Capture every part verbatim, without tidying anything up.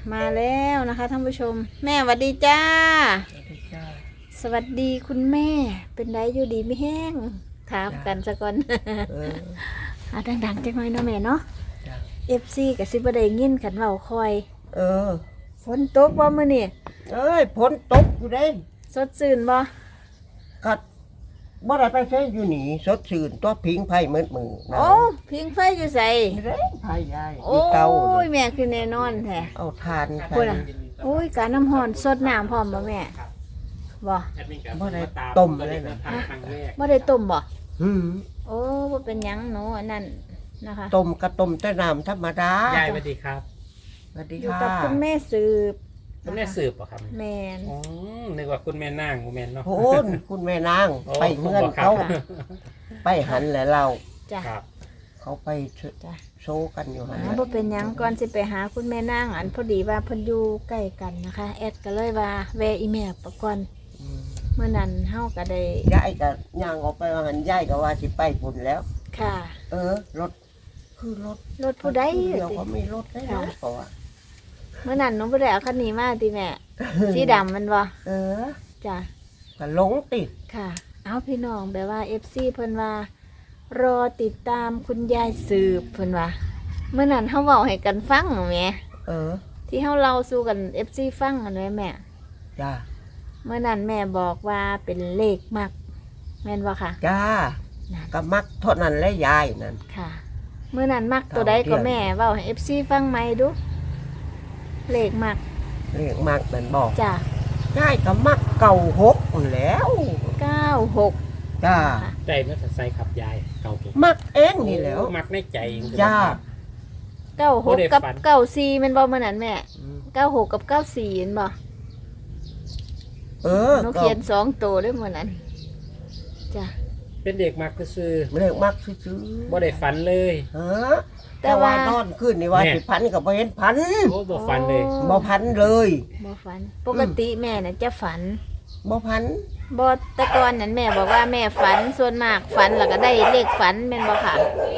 มาแล้วนะคะท่านผู้ชมแม่สวัสดีจ้าสวัสดีคุณแม่เป็นไดอยู่ดีไม่แห้งถามกันสักก่อนเอออ่ะดังๆจังหน่อยเนาะแม่เนาะเอฟซีกับซิบได้ยินกันเว้าคอยเออฝนตกบ่มื้อนี่เอ้ยฝนตกอยู่เด้สดชื่นบ่กัดบ่ได้ไปใช้อยู่นี่สดชื่นตัวพิงไผ่มืดมือโอ้พิงไฟอยู่ไสเด้ไผ่ยายโอ้ยแม่คือแน่นอนแท้เอาทานใส่โอ้ยกะน้ำร้อนสดน้ำพร้อมบ่แม่บ่บ่ได้ต้มเลยนะบ่ได้ต้มบ่อืมโอ้บ่เป็นหยังหนูอันนั้นนะคะต้มกะต้มแต่น้ำธรรมดายายสวัสดีครับสวัสดีค่ะอยู่กับคุณแม่สืบคุณแม่สืบป่ะครับแม่นอ๋อนึกว่าคุณแม่นางคุณแม่เนาะโอ้คุณแม่นางไปเงื่อนเขาไปหันแหละเราจ้ะเขาไปโชว์กันอยู่หั่นบ่เป็นหยังก่อนสิไปหาคุณแม่นางอันพอดีว่าเพิ่นอยู่ใกล้กันนะคะแอดก็เลยว่าแวะอีแม่ปะก่อนเมื่อนั้นเฮาก็ได้ยายก็ย่างออกไปว่าหันยายก็ว่าสิไปพุ่นแล้วค่ะเออรถคือรถรถผู้ใดเดี๋ยวเขามีรถได้เนาะเพราะว่าเมื่อนั้นหนูบ่ได้เอาคันนี้มาติแม่สีดำมันบ่เออจ้ะก็หลงติดค่ะเอาพี่น้องแบบว่า เอฟ ซี เพิ่นว่ารอติดตามคุณยายสืบเพิ่นว่าเมื่อนั้นเฮาเว้าให้กันฟังแหมเออที่เฮาเล่าสู่กัน เอฟ ซี ฟังกันไว้แม่จ้าเมื่อนั้นแม่บอกว่าเป็นเลขมักแม่นบ่ค่ะจ้าก็มักเท่านั้นแหละยายนั่นค่ะเมื่อนั้นมักตัวใดก็แม่เว้าให้ เอฟ ซี ฟังใหม่ดูเลขมักเลขมักนั่นบอกจ้ายายก็มักเก่าหกแล้วเก้าหกจ้าใจมันจะใส่ขับยายเก่าหกมักเองนี่แล้วมักในใจจ้าเก้าหกกับเก้าสี่มันบ่เมื่อนั้นแม่เก้าหกกับเก้าสี่เห็นบ่เออหนูเขียนสองตัวด้วยเมื่อนั้นจ้ะเป็นเด็กมักซื้อเด็กมักซื้อบ่ได้ฝันเลยเออแต่ว่านอนขึ้นนี่ว่าสิพันกับบ่เห็นพันโอ้บ่ฝันเลยบ่พันเลยบ่ฝันปกติแม่น่ะจะฝันบ่พันบ่แต่ก่อนนั้นแม่บอกว่าแม่ฝันส่วนมากฝันแล้วก็ได้เลขฝันแม่นบ่ค่ะ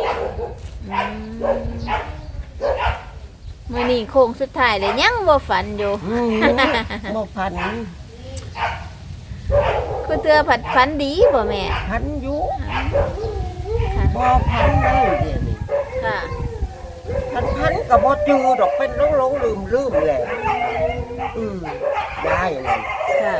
มื้อนี้โค้งสุดท้ายเลยยังบ่ฝันอยู่บ่พันคือเตือผัดฝันดีบ่แม่พันอยู่บ่พันเลยเดี๋ยวนี้ค่ะพันพันก็บ่จือดอกเป็นหลงๆลืมๆแหละอืมได้นั่นค่ะ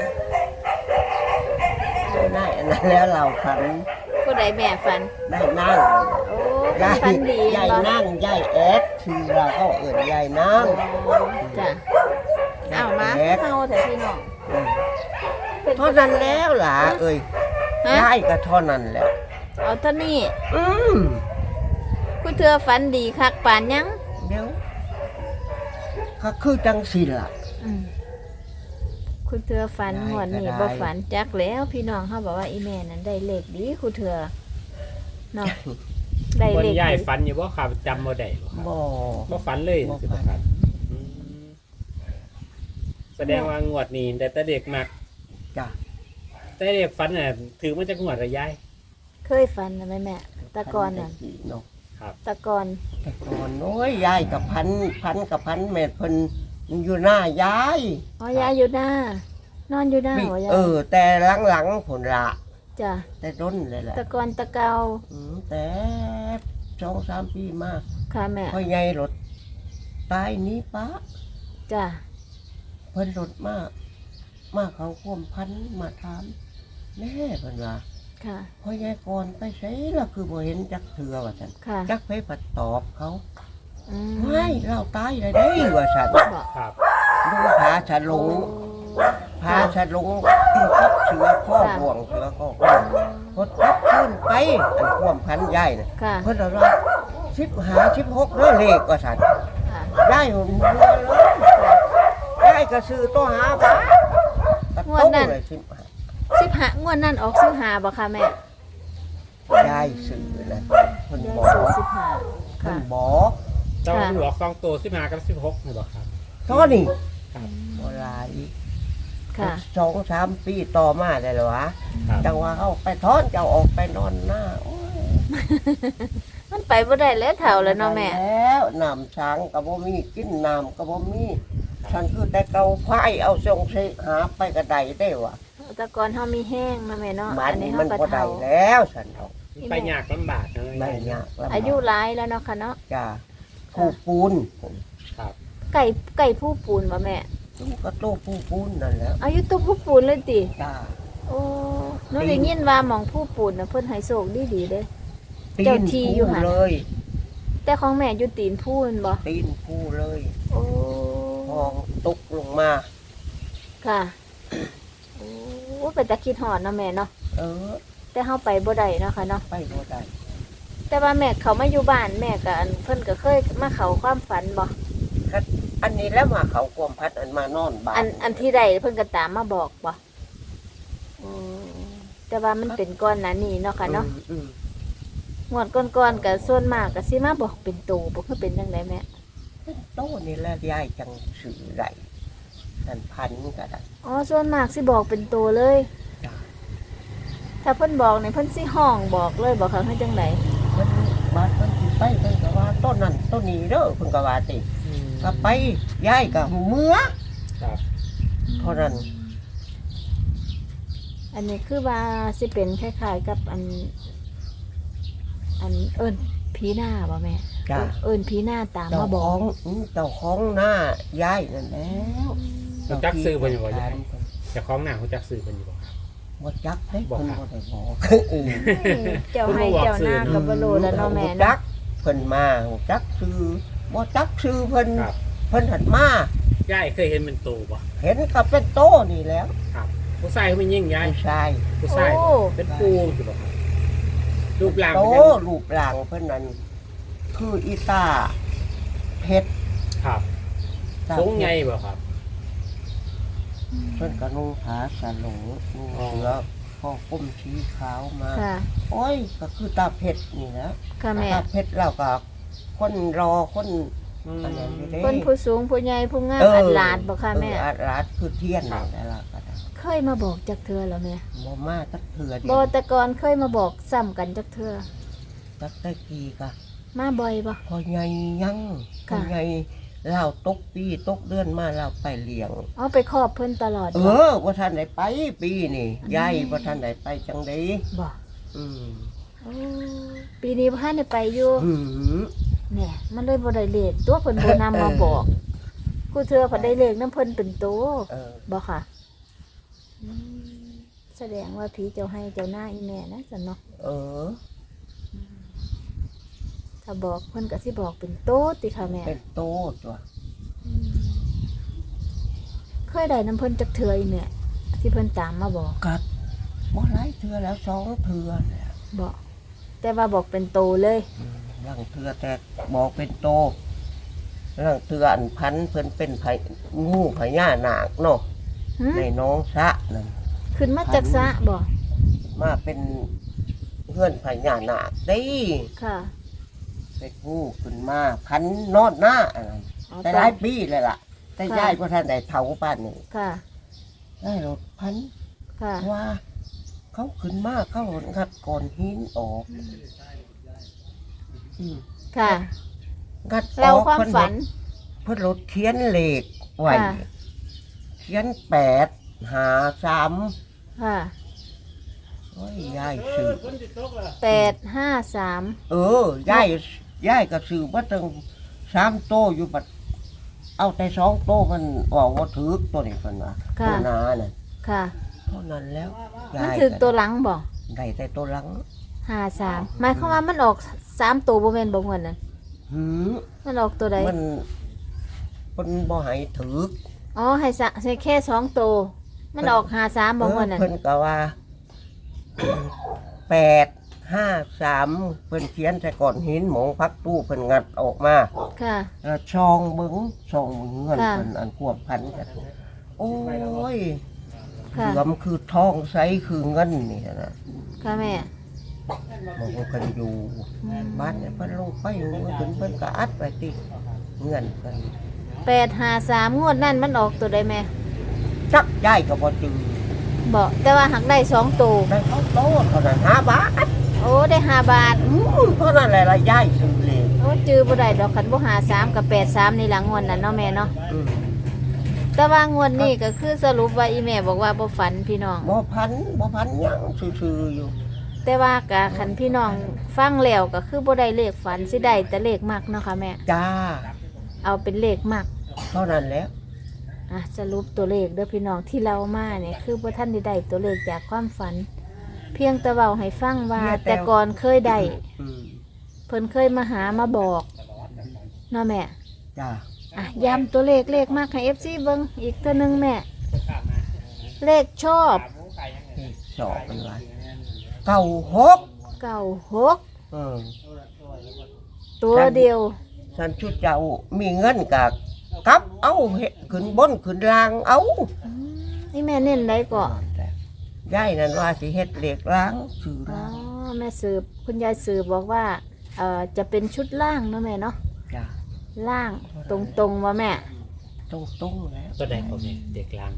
ได้อันนั้นแล้วเราฝันผู้ใดแม่ฝันได้นั่งโอ้ฝันดียายนั่งยายแอดคือเราก็เอิ้นยายนั่งจ้ะอ้าวมาเฮาแต่พี่น้องเท่านั้นแล้วล่ะเอ้ยยายก็เท่านั้นแหละเอาเท่านี้อืมกูเธอฝันดีคักปานยังเดี๋ยวก็คือจังสิล่ะคุณเธอฝันหวนนี่บ่ฝันจักแล้วพี่น้องเขาบอกว่าอีแม่นั้นได้เลขดีคุณเธอเนาะได้เลขยายฝันอยู่บ่ครับจำบ่ได้บ่บ่ฝันเลยสิบ่ครับแสดงว่างวดนี้แต่เด็กมักจ้ะแต่เด็กฝันน่ะถือมันจะงวดระยายเคยฝันนะแม่แม่ตะกอนน่ะครับตะกอนตะกอนโอ้ยยายกับพันพันกับพันแม่เพิ่นอยู่หน้ายายอ๋อยายอยู่หน้านอนอยู่หน้าหัวยายเออแต่หลังๆผลละจ้ะแต่ต้นเลยแหละตะกอนตะเกาอืมแต่สองสามปีมาค่ะแม่พ่อใหญ่รถตายนี้ปะจ้ะเพิ่นรถมามาเขาควมพันมาถามแม่เพิ่นว่าค่ะพ่อใหญ่ก่อนไปใช้ล่ะคือบ่เห็นจักเทื่อว่าซั่นจักไปปัดตอบเขาไม่เราตายได้ได้ว่าซั่นครับดูพาฉลงพาฉลงทับเสือข้อห่วงเสือข้อพดทับขึ้นไปอันควมพันใหญ่น่ะเพิ่นว่าสิบห้า สิบหกเด้อเลขว่าซั่นได้หัวเลยได้ก็ซื้อตัวหาบาทงวดนั้นสิบห้างวดนั้นออกสิบห้าบ่ค่ะแม่ได้ซื้อนะเพิ่นบอกสิบห้าเพิ่นบอกเจ้าหลอกสองตัวสิบห้ากับสิบหกนี่บ่ครับตอนนี้ครับบ่หลายค่ะสองสามปีต่อมาได้แล้ววะจังว่าเฮาไปถอนเจ้าออกไปนอนหน้าโอ้ยมันไปบ่ได้แล้วเฒ่าแล้วเนาะแม่แล้วน้ำช้างก็บ่มีกินน้ำก็บ่มีฉันคือแต่เกาไฟเอาทรงสิหาไปกระไดได้วะแตะกอนเฮามีแห้งนะแม่เนาะมันอันนี้มัเฮาน ก็ก็ได้เฒ่าแล้วฉันเอาไปยากลำบากนะไม่ยากลำบกอายุหลายแล้วเนาะค่ะเนาะจ้าผู้ปูนครับไก่ไก่ผู้ปูนบ่แม่ลูกก็โตผู้ปูนนั่นแหล้วอายุตัวผู้ปูนเลยติจ้าโอ้หนูได้ยินว่าหมองผู้ปูนน่ะเพิ่นให้โชคดีๆเด้ตีเจ้าน ที่อยู่ผู้หั่นเลยแต่ของแม่อยู่ตีนผู้นั่นบ่ตีนผู้เลยโอ้พองตกลงมาค่ะโอ้เป็นตะคิดฮอดเนาะแม่เนาะเออแต่เฮาไปบ่ได้เนาะค่ะเนาะไปบ่ได้แต่ว่าแม่เขามาอยู่บ้านแม่ก็อันเพิ่นก็เคยมาเข้าความฝันบ่ก็อันนี้แล้วมาเขากวมพัดอันมานอนบ้านอันอันที่ใดเพิ่นก็ตามมาบอกบ่อืมแต่ว่ามันเป็นก้อนหนานี้เนาะค่ะเนาะอืมอืมงวดก้อนๆก็ส่วนมากก็สิมาบอกเป็นโตบ่คือเป็นจังไดแม่เป็นโตนี่แหละยายจังสื่อได้ท่านพันก็ได้อ๋อส่วนมากสิบอกเป็นโตเลยจ้าถ้าเพิ่นบอกนี่เพิ่นสิห้องบอกเลยบอกเขาให้จังไดเพิ่นบาดเพิ่นสิไปเพิ่นก็ว่าต้นนั้นต้นนี้เด้อเพิ่นก็ว่าติก็ไปยายก็เมื่อครับเท่านั้นอันนี้คือว่าสิเป็นคล้ายๆกับอัน อันเอิ้นผีหน้าบ่แม่จ้าเอิ้นผีหน้าตามเจ้ามาบขออก งอืมเจ้าของหน้ายายนั่นแล้วรู้จักซื้อเพิ่นอยู่บ่จ้ายายเจ้าของหน้ารู้จักซื้อเพิ่นอยู่บ่ครับบ่จักเด้บอกเพิ่นครับบ่ได้บอกเออเจ้าให้เจ้าหน้าก็บ่รู้แล้วเนาะแม่จัเนาะกเพิ่นมาจักชื่อบ่จักชื่อเพิ่นครับเพิ่นหันมายายเคยเห็นเป็นโตบ่เห็นกับเป็นโตนี่แล้วครับผู้ชายเขาไม่ยิ่งยายผู้ชายผู้ชายโอ้เป็นปูสิบ่ครับรูปร่างโตเป็นยังรูปร่างเพิ่นนั้นคืออีตาเพชรครับตาสูงเพชรใหญ่บ่ครับเพิ่นก็นุ่งผ้าสโลงนุ่งอ๋อเสื้อข้อก้มสีขาวมาค่ะโอ้ยก็คือตาเพชรนี่นะค่ะแม่ตาเพชรแล้วก็คนรอคนอืมอันนั้นอยู่เด้คนผู้สูงผู้ใหญ่ผู้งามเอออัดหลาดบ่ค่ะแม่เอออัดลาดคือเทียนนั่นแหละล่ะก็ได้เคยมาบอกจักเทื่อแล้วแม่บ่มาจักเถื่อเดีบ่ยวแต่ก่อนเคยมาบอกซ้ำกันจักเทื่อจักตะกี้ก็มาบ่อยบ่พอใหญ่ยังพค่ะอใหญ่เล่าตกปีตกเดือนมาเราไปเลี้ยงเอาไปครอบเพิ่นตลอดเอบ่อว่าท่านไหนไปปีนี่ยายว่าท่านไหนไปจังไดบ่อืมโอ้ปีนี้บ่ทันได้ไปอยู่หืมแหน่มันเลยบ่ได้เลขตัวเพิ่นบ่นำมาบอกกูเทื่อเพิ่นได้เลขนํเพิ่นเป็นโตเออบ่ค่ะอืมแสดงว่าผีเจ้าให้เจ้าหน้าอีแม่นะจันเนาะเออถ้าบอกเพิ่นก็สิบอกเป็นโตติค่ะแม่เป็นโตตัวอืมเคยได้น้ำเพิ่นจักเทื่ออีแม่ที่เพิ่นตามมาบอกกัดบ่หลายเทื่อแล้วสองเทื่อเนี่ยบอกแต่ว่าบอกเป็นโตเลยอืมร่างเทื่อแต่บอกเป็นโตร่างเทื่ออันพันเพิ่นเป็นไผงูพญานาคเนาะหึในน้องสะนั่นขึ้นมาจากสระบอกมาเป็นเพื่อนพญานาคได้ค่ะเป็นงูขึ้นมาพันนอดหน้าอะไรอ๋อแต่หลายปีเลยล่ะ แต่ยายก็ท่านได้เท่าป้านนี่ค่ะได้รถพันค่ะว่า เขาขึ้นมาเขาหดงัดก่อนหินออกอืมค่ะงัดอเราอกความเพิ่นฝันเพิ่นรถเขียนเลขไว้ค่ะเขียนแปดหาสามค่ะโอ้ยยายซื้อแปดห้าสามเออยายยายก็ซื้อว่าตั้งสามโตอยู่บัดเอาแต่สองโตมันออกว่าถือตัวนี้เพิ่นว่าค่ะตัวหนาน่ะค่ะเท่านั้นแล้วมันถึกตัวหลังบอกได้แต่ตัวหลังห้าสามหมายความว่ามันออกสามตัวบ่แม่นบ่เงินนั่นหืมมันออกตัวใดมันมันบ่ให้ถืออ๋อให้สะให้แค่สองตัวมันออกห้าสามบ่เงินนั่นเพิ่นก็ว่า แปดห้าสามเพิ่นเขียนใส่ก้อนหินหมองพักตู้เพิ่นงัดออกมาค่ะแล้วช่องเบิ้งช่องเงินค่ะเพิ่นอันควบพันกันโอ้ยค่ะเหลือมคือทองใสคือเงินนี่นะค่ะแม่มันเพิ่นอยู่บ้านเนี่ยเพิ่นลงไปเมื่อเพิ่นเพิ่นก็อัดไปติเงินเพิ่นแปดห้าสามงวดนั่นมันออกตัวใดแม่จักย้ายก็บ่จือบอกแต่ว่าหักได้สองตัวได้เขาโตเท่านั้นห้าบาทโอ้ได้ห้าบาทอือเท่านั้นแหละละย้ายซื้อเลยโอ้จือบ่ได้ดอกคันบ่หาสามกับแปดสามนี่หลังงวดนั่นเนาะแม่เนาะอืมแต่ว่างวดนี้ก็คือสรุปว่าอีแม่บอกว่าบ่ฝันพี่น้องบ่พันบ่พันหยังซื่อๆอยู่แต่ว่ากะคันพี่น้องฟังแล้วก็คือบ่ได้เลขฝันสิได้แต่เลขมักเนาะค่ะแม่จ้าเอาเป็นเลขมักเท่านั้นแหล้วอ่ะสรุปตัวเลขเด้อพี่น้องที่เรามาเนี่ยคือบ่ทันได้ได้ตัวเลขจากความฝัน เพียงแต่เว้าให้ฟังว่าแต่ก่อนเคยได้อืมเพิ่นเคยมาหามาบอกเนาะแม่จ้าอ่ะย้ำตัวเลขเลขมากให้ เอฟ ซี เบิ่งอีกตัวหนึงแม่ เลขชอบสอบเป็นไรเก้าหกเก้าหกเออตัวเดียวฉันชุดเจ้ามีเงินกะกลับเอาเฮ็ดขึ้นบนขึ้นล่างเอาอืมนี่แม่เน้นได้ก่อนยายนั่นว่าสิเฮ็ดเหล็กล้างชื่ออ๋อล้างแม่สืบคุณยายสืบบอกว่าเอ่อจะเป็นชุดล่างเนาะแม่เนาะจ้าล่างตรงๆว่าแม่ตรงตรงๆแล้วตัวใดก็แม่เด็กลัง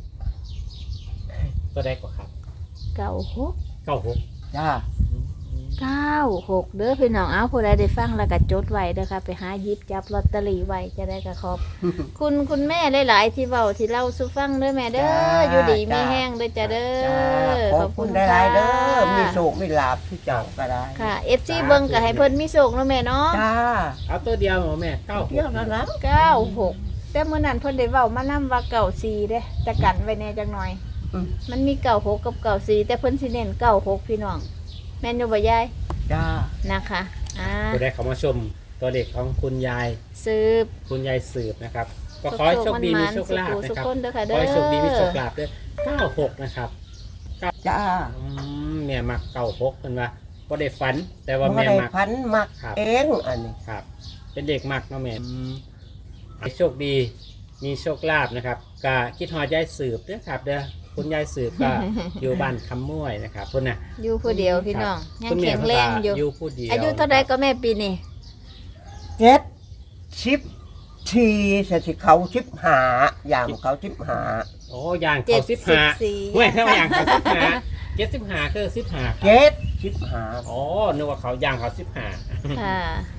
ตัวใดก็ครับเก้าหกเก้าหกจ้าเก้าหกเด้อพี่น้องเอาผู้ใดได้ฟังแล้วก็จดไว้เด้อค่ะไปหาหยิบจับลอตเตอรี่ไว้จะได้กระขอบ คุณคุณแม่หลายๆที่เว้าที่เล่าสู่ฟังเด้อแม่เด้ออยู่ดีมีแห้งเด้อจ้ะเด้จ้าอขอบคุณหลายๆเด้อมีโชคคมีลาภที่เจ้าก็ได้ค่ะ เอฟ ซี เบิ่งก็ให้เพิ่นมีโชคเนาะแม่เนาะจ้าเอาตัวเดียวเหรอแม่เก้าหเที่ยวกนั้นนะเก้าหกแต่เมื่อนั้นเพิ่นได้เว้ามานำว่าเก้าสี่เด้จะกันไว้แน่จักหน่อยอืมมันมีเก้าหกกับเก้าสี่แต่เพิ่นสิเน้นเก้าหกพี่น้องแม่นอยู่บ่ยายจ้านะคะอ่าตัวใดเขามาชมตัวเด็กของคุณยายสืบคุณยายสืบนะครับ ก็ขอให้โชคดีมีโชคลาภสุนะขครับคนเด้อค่ะขเด้ออให้โชคดีมีโชคลาภด้วยเก้าหกนะครับจ้าอืมแม่มักเก้าหกเป็นว่าบ่ได้ฝัน แต่ว่าบ่แม่ได้มักพันมักครับเองอันนี้ครับ เป็นเด็กมักเนาะแม่ให้โชคดีมีโชคลาภนะครับกะคิดฮอดยายสืบเด้อครับเด้อคุณยายสืบก็ อยู่บ้านคำม่วยนะครับคุณน่ะอยู่ผู้เดียวพี่น้องยังคุณแม่แข็งแรงอยู่อยู่ผู้เดียวอายุเท่าใดก็แม่ปีนี้เจ็ดสิบทีสสิเขาสิบหาอย่างเขาสิบหาโอ้ย่างเขาสิบห้าสี่เว้ยถ้าย่างเขาสิบห้าเจ็ดสิบห้าคือสิบห้าเจ็ดสิบหาอ๋อนึกว่าเขาย่างเขาสิบห้าค่ะ